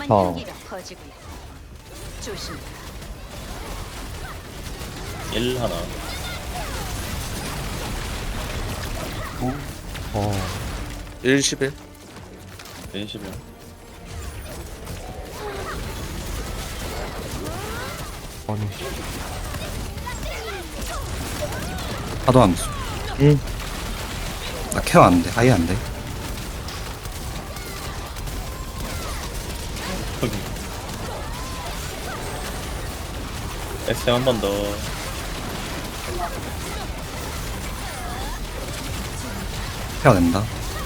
향기가 퍼지고 조심. 1 하나. 어. 1, 11. 1 11. 아니. 파도 함수. 응. 나 케어 안 돼. 아예 안 돼. SM 한 번 더. 케어 된다.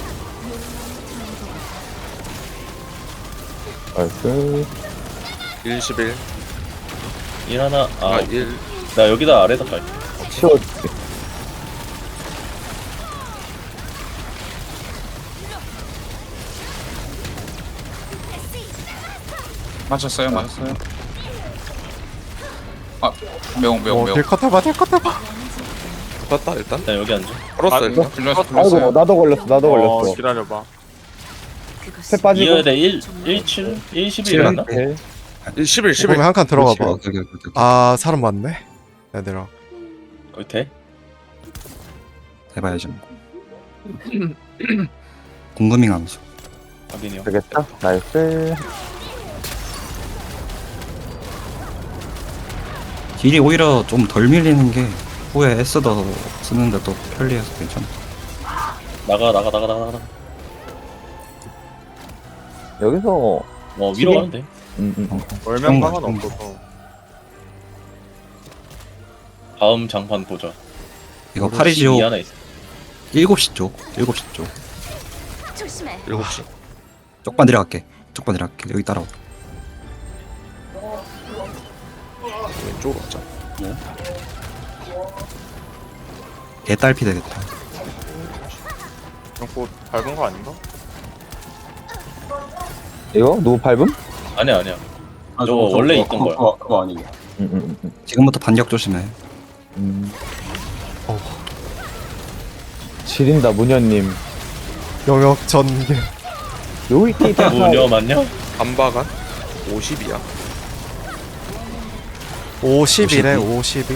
나이스. 1, 11. 1 하나. 아, 1. 나 여기다 아래다 갈게. 치워줄게. 맞았어요, 맞았어요. 아, 매운, 매운, 매운. 딜컷 해봐, 딜컷 해봐. 봤다, 일단. 나 여기 앉아. 걸었어, 일단. 불렸어, 아이고, 불렸어요. 나도 걸렸어, 나도 걸렸어. 기다려봐. 탭 빠지고. 이어야 돼. 1 7 1 11 맞나? 오케이. 1, 11, 11. 그러면 한 칸 들어가 봐. 그렇지, 오케이. 아, 사람 많네. 얘들아. 거기 돼? 해봐야지. 뭐. 궁금잉 함수. 확인이 형. 되겠다. 나이스. 딜이 오히려 좀 덜 밀리는 게 후에 S 더 쓰는데 또 편리해서 괜찮아. 나가. 여기서. 위로 가면 돼. 월명 강은 좀. 없어서. 다음 장판 보자. 이거 파리지오 12 하나 있어. 7시 쪽. 7시 쪽. 조심해. 7시. 쪽반 내려갈게. 여기 따라와. 왼쪽으로 가자. 개딸피 되겠다. 그럼 곧 밟은 거 아닌가? 이거? 누구 밟음? 아니야. 저거 원래 있던 거야. 그거 아니고. 지금부터 반격 조심해. 지린다, 문현님. 영역 전개. 여기 있다. 무녀 맞냐? 반바간 50이야. 50이래, 52.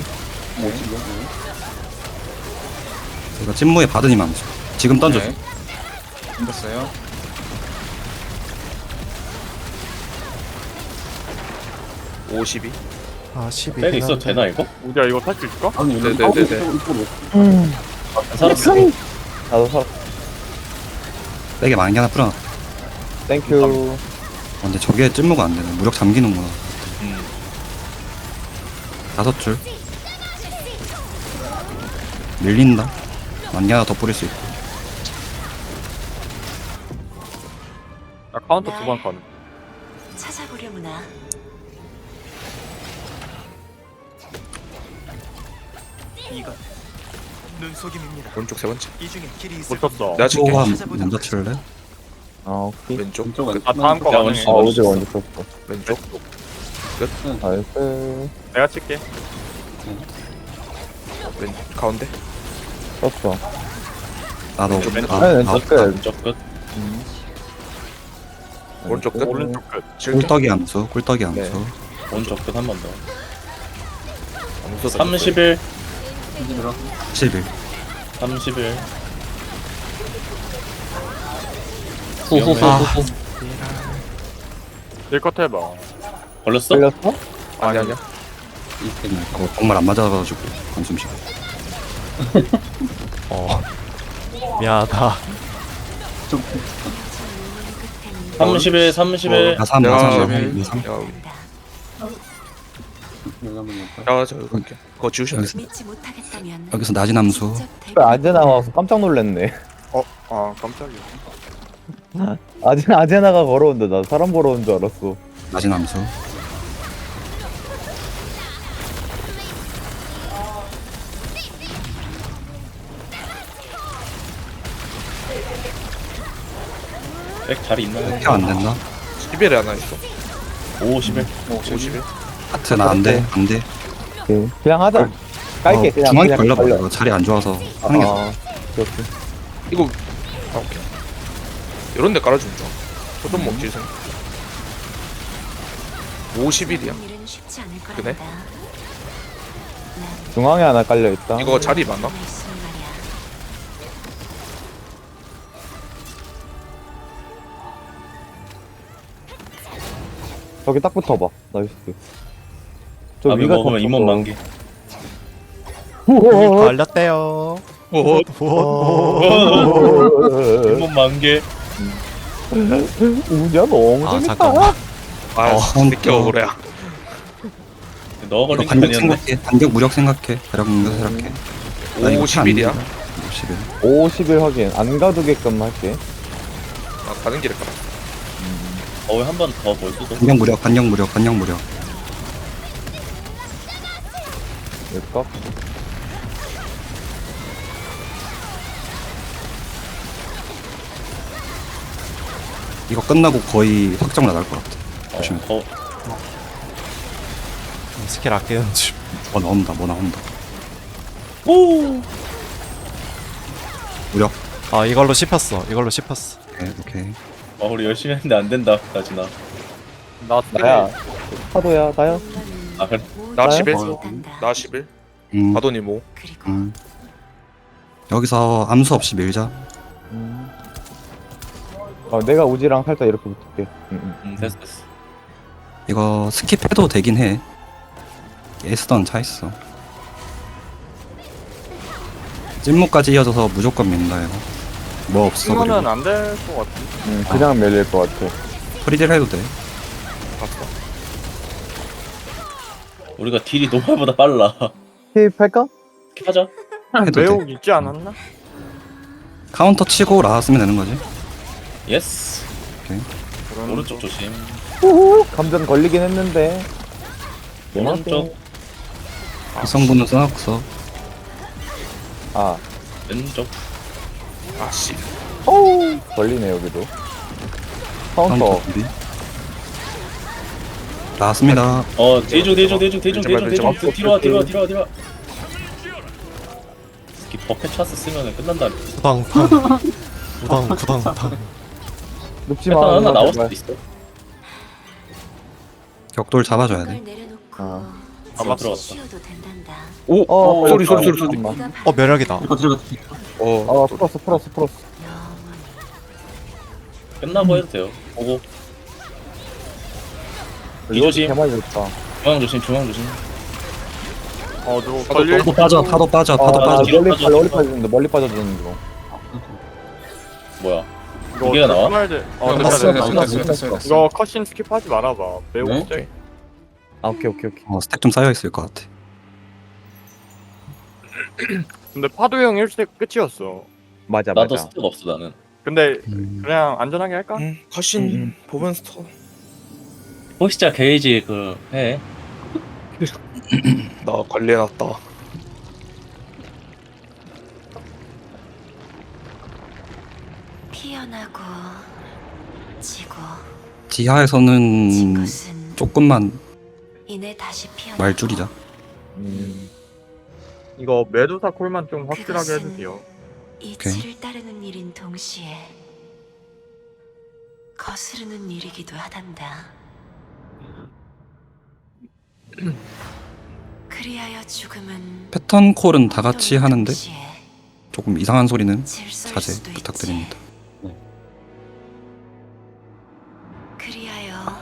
이거 찐무에 받으니 함수. 지금 던져줘. 네. 던졌어요. 52. 아, 12. 백 있어도 되나 이거? 우리야 이거 탈 수 있을까? 네네네네. 살았어. 나도 살아. 백에 만개 하나 풀어놨다. 땡큐. 근데 저게 찐무가 안 되네. 무력 잠기는구나. 음. 5줄. 밀린다. 만개 하나 더 뿌릴 수 있고. 나 카운터 2번 가는. 찾아보려무나. 오른쪽 세 번째. 못 쳤어. 내가 칠게. 또한 먼저 칠래? 아, 오케이. 왼쪽. 아 다음 거 야, 가능해. 원시. 아, 어제 먼저 썼어. 왼쪽. 나이스. 내가 칠게. 가운데. 썼어. 나도. 왼쪽. 아, 왼쪽 끝. 왼쪽 끝. 오른쪽 끝. 오른쪽 끝. 칠게. 꿀떡이 함수. 꿀떡이 함수. 네. 오른쪽 끝 한 번 더. 아무도 31 11. 31. 후후후후. 딜컷 해봐. 걸렸어? 걸렸어? 아니야. 그거 정말 안 맞아가지고 한숨 쉬고. 미안하다. 31 31. 나 3, 야, 나 3, 나 야, 3. 야, 저 갈게. 그거 지우셔야 돼. 믿지 못하겠다면 여기서 낮은 함수. 아재 나와서 깜짝 놀랐네. 아 깜짝이야. 아제나가 걸어온다. 나 사람 걸어온 줄 알았어. 낮은 함수. 백 자리 있나? 케어 안 된다. 11에 하나 있어. 51. 51. 하트 나 안 돼. 안 돼. 오케이. 그냥 하자. 깔게. 그냥. 중앙에 그냥 걸려봐. 걸려. 이거 자리 안 좋아서 하는 게 아, 오케이. 이거. 아, 오케이. 이런 데 깔아주면 좋아. 소좀 먹지, 생. 50일이야. 일은 쉽지 않을 그래? 거란다. 중앙에 하나 깔려있다. 이거 자리 맞나? 난 있으면 말이야. 저기 딱 붙어봐. 나이스. 저 밥을 위가 먹으면 덮어서. 잇몸 만개. 우와. 걸렸대요. 오, 잇몸 만개. 우냐 너무 아, 재밌다. 잠깐만. 아, 새끼 억울해야. 너 이거 걸린 게 반격 아니었네. 생각해. 반격 무력 생각해. 대략 무력 생각해. 나 이거 50일이야. 50일. 50일 확인. 안 가두게끔 할게. 아, 가는 길에 가라. 거의 한 번 더 볼 수도. 반격 무력, 반격 무력, 반격 무력. 될까? 이거 끝나고 거의 확정 나갈 것 같아. 조심해. 더 스킬 아끼는 중. 뭐 나온다, 뭐 나온다. 오. 무력. 아 이걸로 씹혔어. 이걸로 씹혔어. 오케이, 오케이. 우리 열심히 했는데 안 된다. 나지나. 나야. 파도야, 나야. 아 그래. 나 나야? 10일. 나 10일. 바도니 뭐? 그리고 여기서 암수 없이 밀자. 내가 우지랑 살짝 이렇게 붙을게. 됐어. 이거 스킵해도 되긴 해. 에스던 차 있어. 찐무까지 이어져서 무조건 민다 이거. 뭐 없어 이거는 그리고. 안 될 것 같아. 그냥 밀릴 것 같아. 프리딜 해도 돼. 봤어. 우리가 딜이 노말보다 빨라. 힙할까? 하자. 해도 돼. 매혹 있지 않았나? 카운터 치고 라왔으면 되는 거지. 예스. 그런 오른쪽 조심. 우후. 감전 걸리긴 했는데. 오른쪽. 이성분은 써놨어. 아. 왼쪽. 아, 씨. 어우. 걸리네, 여기도. 카운터. 준비. 나왔습니다. 대중. 뒤로 와. 이 버켓 찬스 쓰면은 끝난다. 부당. 눕지 패턴 마. 하나 나올 제발. 수도 있어. 격돌 잡아줘야 돼. 그걸 내려놓고 아. 아마 들어갔다. 쉬어도 된단다. 오, 소리. 잠깐만. 네가 매력이다. 풀었어. 영원히 끝나고 해도 돼요. 보고. 이조심. 개말 좋다. 중앙 조심. 너 걸릴 파도 빠져, 파도 빠져, 파도 아, 빠져. 뒤로 멀리 빠져주는데, 멀리 빠져주는 중. 뭐야? 이거 이게가 나와? 됐어. 이거 컷신 스킵하지 말아봐. 매우 네? 갑자기. 아, 오케이. 스택 좀 쌓여 있을 것 같아. 근데 파도 형 1스택 끝이었어. 맞아. 나도 스택 없어 나는. 근데 그냥 안전하게 할까? 컷신 보면서 터. 포시자 게이지 그 해. 나 관리해놨다. 피어나고 지고 지하에서는 진 것은 조금만 이내 다시 피어나. 말 줄이자. 이거 메두사 콜만 좀 확실하게 해주세요. 이치를 따르는 일인 동시에 거스르는 일이기도 하단다. 그리하여 죽음은 패턴 콜은 다 같이 고통의 하는데 동시에 조금 이상한 소리는 질서일 자제 수도 있지. 부탁드립니다. 그리하여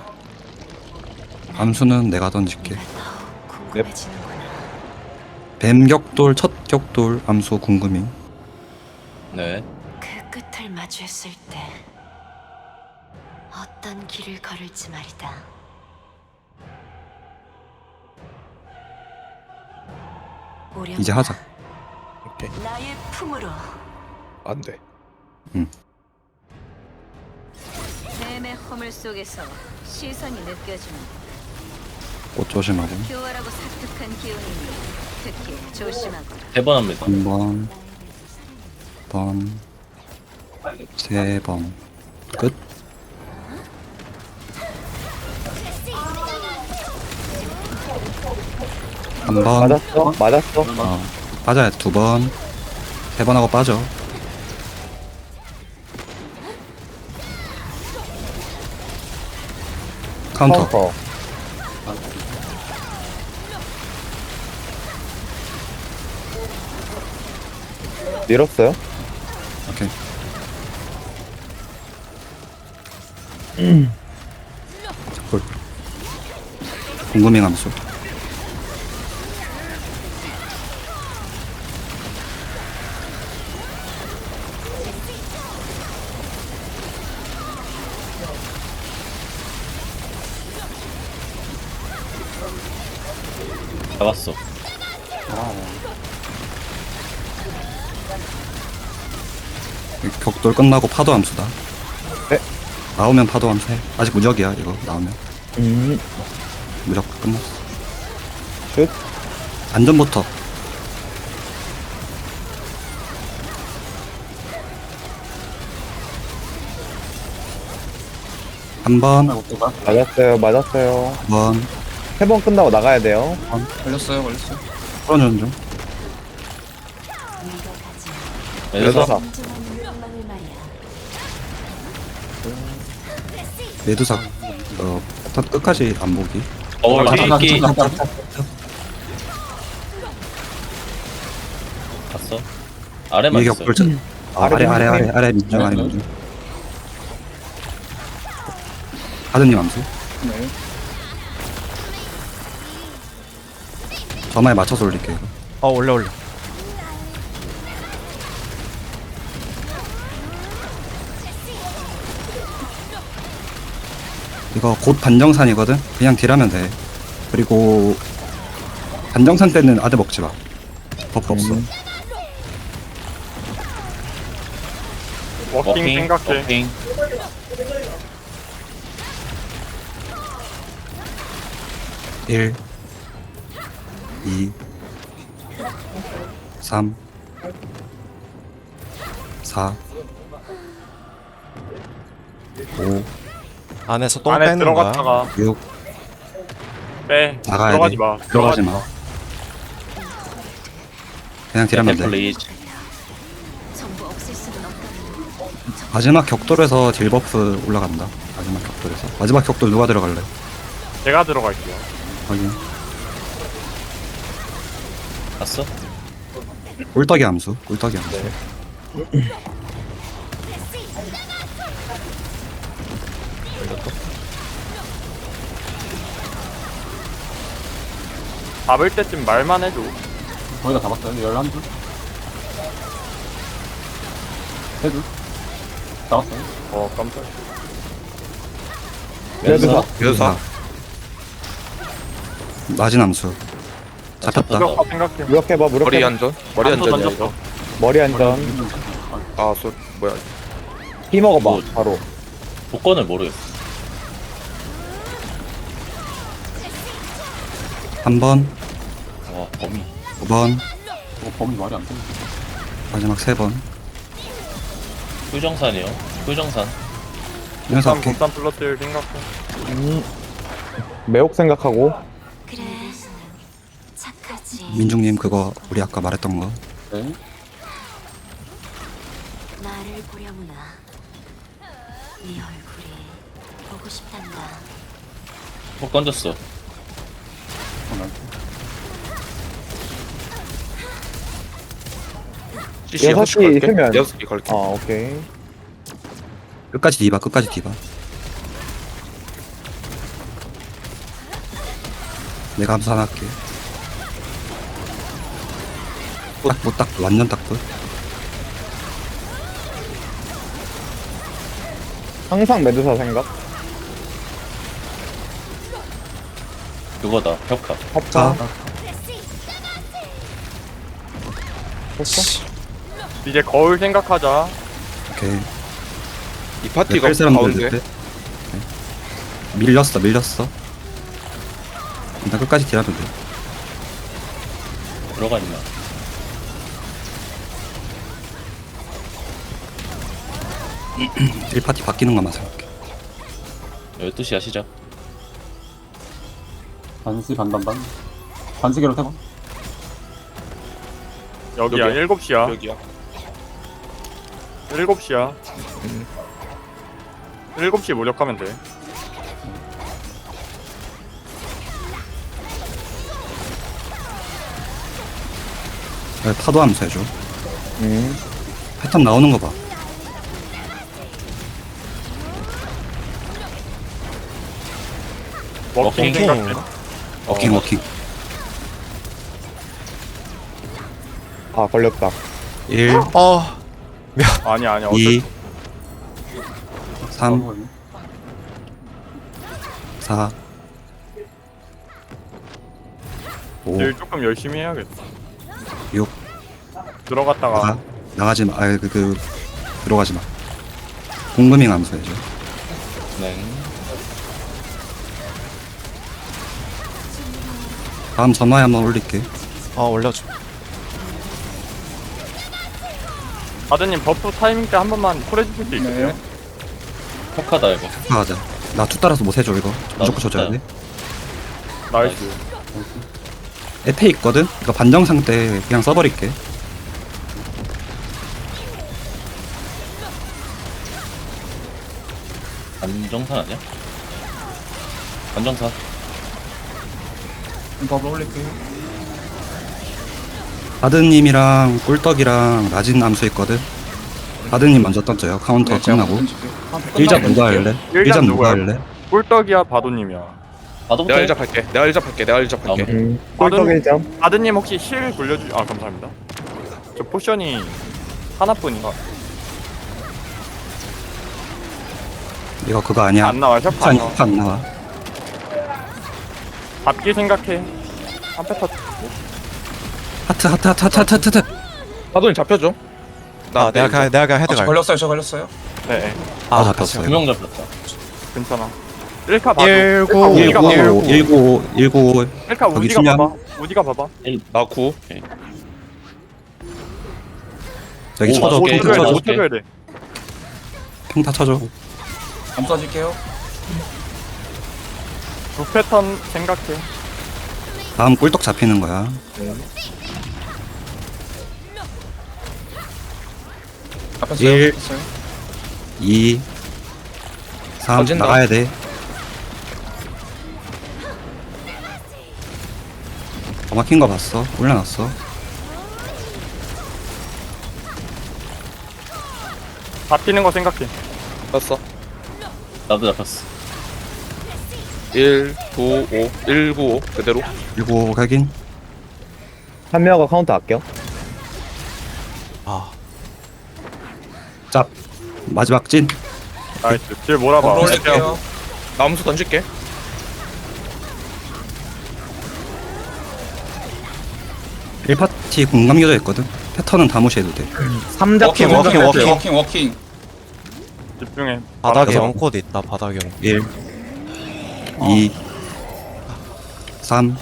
암수는 내가 던질게. 네가 더욱 궁금해지는구나. 뱀 격돌, 첫 격돌, 암수 궁금해. 네. 그 끝을 마주했을 때 어떤 길을 걸을지 말이다. 이제 하자. 오케이. 나의 품으로 안 돼. 뱀의 허물 속에서 시선이 느껴지는 꽃 조심하고. 교활하고 사특한 기운이니 특히 조심하고. 3번 합니다. 한 번, 번, 3번. 끝. 한 번. 맞았어. 빠져야 돼. 2번. 3번 하고 빠져. 카운터. 밀었어요? 오케이. 볼. 궁금해 감수. 잡았어. 격돌 끝나고 파도 함수다. 네. 나오면 파도 함수 해. 아직 무적이야 이거 나오면. 음. 무적 끝났어. 슛. 안전부터. 한 번, 맞았어요. 맞았어요. 두 번, 3번 끝나고 나가야 돼요. 걸렸어요 걸렸어요. 풀어주는 중. 매도사. 매도사. 매두사 패턴 끝까지 안 보기. 끼. 갔어. 아래만 위에 있어. 격돌 chân. 아래 민중 아래 민중. 하드님 암수. 네. 점화에 맞춰서 올릴게요. 이거. 올려. 이거 곧 반정산이거든. 그냥 딜하면 돼. 그리고 반정산 때는 아드 먹지 마. 버프 없어. 워킹 생각해. 워킹. 1 2 3 4 5 안에서 똥 안에 빼는 거야. 들어갔다가 6 빼. 나가야 들어가지 돼. 마. 들어가지 마. 그냥 딜하면 돼. 플리즈. 전부 없앨 수는 없다는 마지막 격돌에서 딜 버프 올라간다. 마지막 격돌에서. 마지막 격돌 누가 들어갈래? 제가 들어갈게요. 확인. 갔어? 꿀떡이 함수. 꿀떡이 함수. 잡을 때쯤 말만 해줘. 거의 다 잡았어요. 11줄. 3줄. 잡았어요. 깜짝. 매도사. 매도사. 낮은 함수. 잡혔다. 무력화 생각해. 무력해봐. 머리 무력해봐. 안전. 머리 안전이야 던졌어. 이거. 머리 안전. 아, 뭐야. 피 먹어봐. 뭐. 바로. 조건을 모르겠어. 한 번, 와, 범위. 5번, 범위 말이 안 돼. 마지막 3번. 휴정산이요. 휴정산. 이래서 곰산 할게. 곰산 플러스를 생각해. 매혹 생각하고. 그래 착하지 민중님 그거 우리 아까 말했던 거. 네. 나를 보려무나 네 얼굴이 보고 싶단다 폭 던졌어. CC 6시 6시 걸게. 세면. 6시 걸게. 아, 오케이. 끝까지 디바, 끝까지 디바. 내가 함수 하나 할게. 딱, 완전 딱 끝. 항상 매도사 생각. 그거다. 벽화. 합사. 자, 됐어? 이제 거울 생각하자. 오케이. 이 파티가 뺄 사람들 가운데. 넷. 밀렸어. 일단 끝까지 딜하면 돼. 들어가 있나? 딜 파티 바뀌는 것만 생각해. 12시야 시작. 반시 반반반. 반시계로 태고. 여기야. 여기야. 7시야. 여기야. 7시야. 7시 무력하면 돼. 파도 함수 해줘. 패턴 나오는 거 봐. 워킹 워킹. 생각해. 워킹 워킹. 아 걸렸다. 1, 아니야 2, 어쩔 3, 4, 5, 일 조금 열심히 해야겠다. 6, 들어갔다가 나가지 마. 들어가지 마. 공금잉 하면서 해줘. 네. 다음 전화에 한번 올릴게. 올려줘. 아드님 버프 타이밍 때 한 번만 콜 해주실 수 있으세요? 폭하다 이거. 하자. 나 투 따라서 못 해줘 이거. 무조건 쳐줘야 돼. 나이스. 에페 있거든? 이거 반정상 때 그냥 써버릴게. 안정산 아니야? 안정산. 바드님이랑 꿀떡이랑 라진 암수 있거든? 바드님 먼저 던져요. 카운터 끝나고. 1잡 누가 할래? 1잡 누가 할래? 꿀떡이야 바도님이야. 바도부터. 내가 1잡 할게. 내가 1잡 할게. 내가 1잡 할게. 꿀떡 1점. 아드님 혹시 실 굴려주? 아 감사합니다. 저 포션이 하나뿐인가? 이거 그거 아니야. 안 나와 셔프 안 나와. 안 나와. 잡기 생각해. 한 패터. 하트. 사돈이 잡혀줘. 내가 헤드 갈. 걸렸어요. 네, 아, 잡혔어요. 2명 잡혔다. 괜찮아. 1카 봐도. 19. 19. 1카 거기 우디가 수면. 봐봐. 우디가 봐봐. 나 9. 여기 오, 쳐줘. 오케이. 평타 쳐줘. 못 쳐줘야 돼. 평타 쳐줘. 두 패턴 생각해. 다음 꿀떡 잡히는 거야. 잡혔어요. 1, 2, 3 터진다. 나가야 돼. 더 막힌 거 봤어. 올려놨어. 잡히는 거 생각해. 떴어. 나도 잡혔어. 1, 9, 5. 1, 9, 5. 그대로. 그리고 각인. 한 명가 카운터 아껴. 짭. 마지막 찐. 나이스. 딜 몰아봐. 올릴게요. 나 암수 던질게. 일파티 공감겨져 있거든. 패턴은 다 무시해도 돼. 3잡 워킹. 집중해. 바닥에 여섯. 엉코드 있다. 바닥에. 1, 2, 3.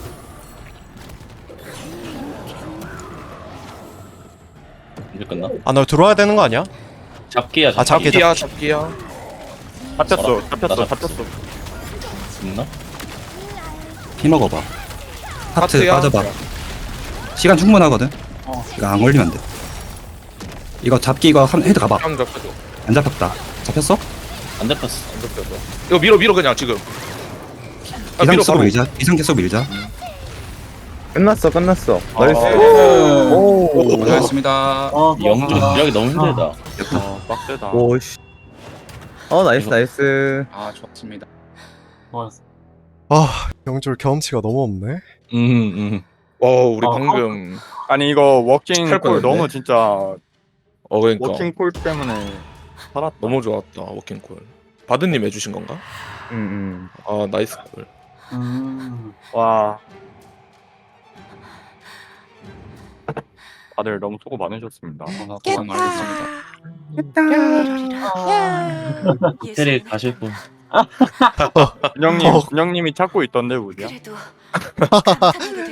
이제 끝나? 너 들어와야 되는 거 아니야? 잡기야. 잡기. 잡기야. 잡혔어. 나 잡혔어. 잡혔어. 잡혔어. 있나? 피 먹어봐. 하트 하트야. 빠져봐. 시간 충분하거든. 이거 안 걸리면 돼. 이거 잡기 이거 헤드 가봐. 형 잡혀줘. 안 잡혔다. 잡혔어? 안 잡혔어. 안 잡혀줘. 이거 밀어 그냥 지금. 이상 계속 바로. 밀자. 이상 계속 밀자. 끝났어. 나이스. 오. 오. 고생하셨습니다. 영주 구력이 너무 힘들다. 빡세다. 오씨. 나이스. 아, 좋습니다. 좋았어. 영줄 경험치가 너무 없네. 우리 아, 방금. 아니 이거 워킹 할 콜 뻔했네. 너무 진짜 그러니까. 워킹 콜 때문에 살았다. 너무 좋았다. 워킹콜. 바드님 해주신 건가? 아, 나이스 콜. 와. 다들 너무 수고 많으셨습니다. 고생 많으셨습니다. 호텔에 가실 분. 준영님이 찾고 있던데 우디야. 그래도 탄탄하게 된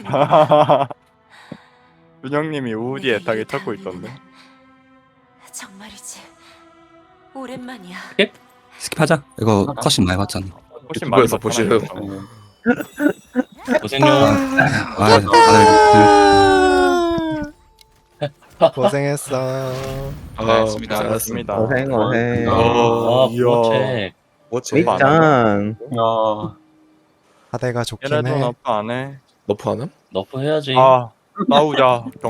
준영님이 우디 애타게 찾고 있던데. 정말이지. 오랜만이야. 스킵하자. 이거 컷신 많이 봤잖아. 훨씬 많이 유튜브에서 보시래요. 봤잖아요. 고생요. 다들 고생했어. 고생했습니다. 고생하셨습니다. 고생. 아, 이야. 그렇지. 뭐지? 밑장. 야, 하대가 좋긴 얘네도 해. 너프 안 해. 너프 하나? 너프 해야지. 아, 나오자.